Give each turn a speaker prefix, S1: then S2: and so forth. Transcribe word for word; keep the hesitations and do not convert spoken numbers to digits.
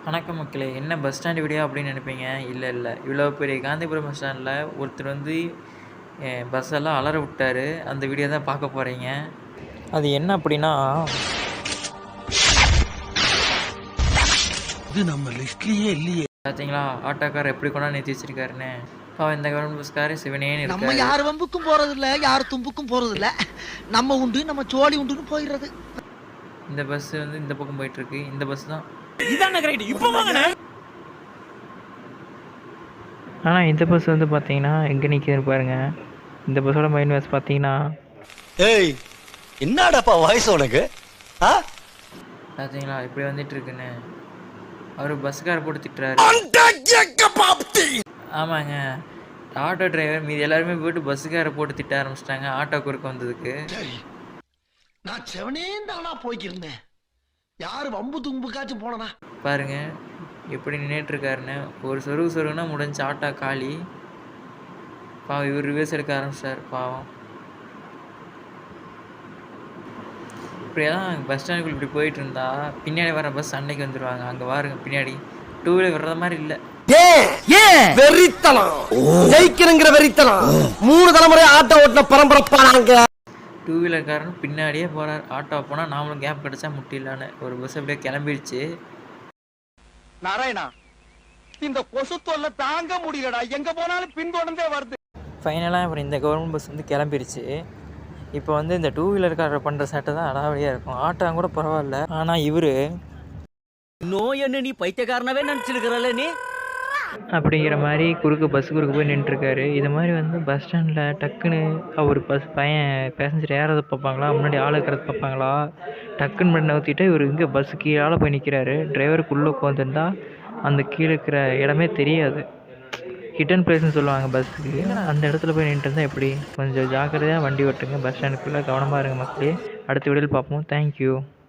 S1: வணக்கம் மக்களே! என்ன பஸ் ஸ்டாண்ட் வீடியோ அப்படின்னு நினைப்பீங்க. இல்ல, இல்ல. இவ்வளோ பெரிய காந்திபுரம் பஸ் ஸ்டாண்ட்ல ஒருத்தர் வந்து எ பஸ் எல்லாம் அலற விட்டாரு. அந்த வீடியோ தான் பார்க்க போறீங்க. அது என்ன அப்படின்னா,
S2: இது நம்ம லிஸ்ட்லயே இல்லையே.
S1: பார்த்தீங்களா ஆட்டோக்காரர் எப்படி கொண்டாந்து நிறுத்தி வச்சிருக்காருன்னு. பாவம் இந்த கவர்மெண்ட் பஸ்காரர் சிவனேன்னு
S3: நம்ம
S1: இருக்காரு.
S3: யார் வம்புக்கும் போறது இல்ல, யார் தும்புக்கும் போறது இல்ல. நம்ம உண்டு நம்ம சோழி உண்டுன்னு போயிடுறது.
S1: இந்த பஸ் வந்து இந்த பக்கம் போயிட்டு இருக்கு. இந்த பஸ் தான்.
S2: இதானே கரெக்ட். இப்போ வாங்கண்ணே.
S1: ஆனால் இந்த பஸ் வந்து பார்த்தீங்கன்னா எங்கே நிற்கிதுன்னு பாருங்க. இந்த பஸ்ஸோட மெயின் பஸ் பார்த்தீங்கன்னா,
S2: ஏய் என்னடாப்பா வாய்ஸ் உனக்கு? ஆ?
S1: பார்த்தீங்களா இப்படி வந்துட்டு இருக்குன்னு. அவர் பஸ்காரர் போட்டு திட்டுறாரு. ஆமாங்க. ஆட்டோ டிரைவர் மீதி எல்லாருமே போயிட்டு பஸ்ஸுக்கார போட்டு திட்ட ஆரம்பிச்சிட்டாங்க ஆட்டோ குறுக்க வந்ததுக்கு.
S3: சரி, நான் செவனே தானா போய்க்கிருந்தேன். யாரு வம்பு தும்புக்காச்சும் போனனா
S1: பாருங்க எப்படி நின்றுட்டு இருக்காருன்னு. ஒரு சொருகு சொருகுனா முடிஞ்ச ஆட்டோ காலி. பாவம் இவர் ரிவர்ஸ் எடுக்க ஆரம்பிச்சிட்டார் பாவம். இப்படியெல்லாம் பஸ் ஸ்டாண்டுக்குள்ள இப்படி போயிட்டு இருந்தா பின்னாடி வர பஸ் சண்டைக்கு வந்துடுவாங்க. அங்கே பாருங்க பின்னாடி டூ வீலர் வர்ற மாதிரி இல்லை.
S2: வெறித்தனம் ஜெயிக்கிறங்கிற வெறித்தனம் மூணு தலைமுறை ஆட்டோ ஓட்டின பரம்பரைப்பானாங்க.
S1: டூ வீலர்காரன் பின்னாடியே போகிறார். ஆட்டோ போனால் நாமளும் கேப் கிடச்சா முட்டிடலான்னு ஒரு பஸ் அப்படியே கிளம்பிடுச்சு.
S4: நாராயணா, இந்த கொசு தொல்லை தாங்க முடியலடா. எங்க போனாலும் பின்தொடர்ந்தே வருது.
S1: ஃபைனலாக அப்புறம் இந்த கவர்மெண்ட் பஸ் வந்து கிளம்பிடுச்சு. இப்போ வந்து இந்த டூ வீலர்காரர் பண்ணுற சேட்டை தான் அடாவடியாக இருக்கும். ஆட்டோ கூட பரவாயில்ல. ஆனால் இவர்
S2: நோய் என்ன நீ பைத்தியக்காரனவே நினைச்சிருக்கிறல்ல நீ
S1: அப்படிங்கிற மாதிரி குறுக்கு பஸ் குறுக்கு போய் நின்றுருக்காரு. இது மாதிரி வந்து பஸ் ஸ்டாண்டில் டக்குன்னு அவர் பஸ் பையன் பேசஞ்சர் ஏறதை பார்ப்பாங்களா, முன்னாடி ஆள் இருக்கிறத பார்ப்பாங்களா, டக்குன்னு பண்ணி நவுத்திட்டு இவர் இங்கே பஸ்ஸு கீழே போய் நிற்கிறாரு. டிரைவருக்குள்ளே உட்காந்துருந்தா அந்த கீழே இருக்கிற இடமே தெரியாது. ஹிட்டன் பிளேஸ்னு சொல்லுவாங்க பஸ்ஸுக்கு. அந்த இடத்துல போய் நின்றுட்டு இருந்தால் எப்படி? கொஞ்சம் ஜாக்கிரதையாக வண்டி ஓட்டுங்க. பஸ் ஸ்டாண்டுக்குள்ளே கவனமாக இருங்க மக்களே. அடுத்த வீடியோவில் பார்ப்போம். தேங்க்யூ.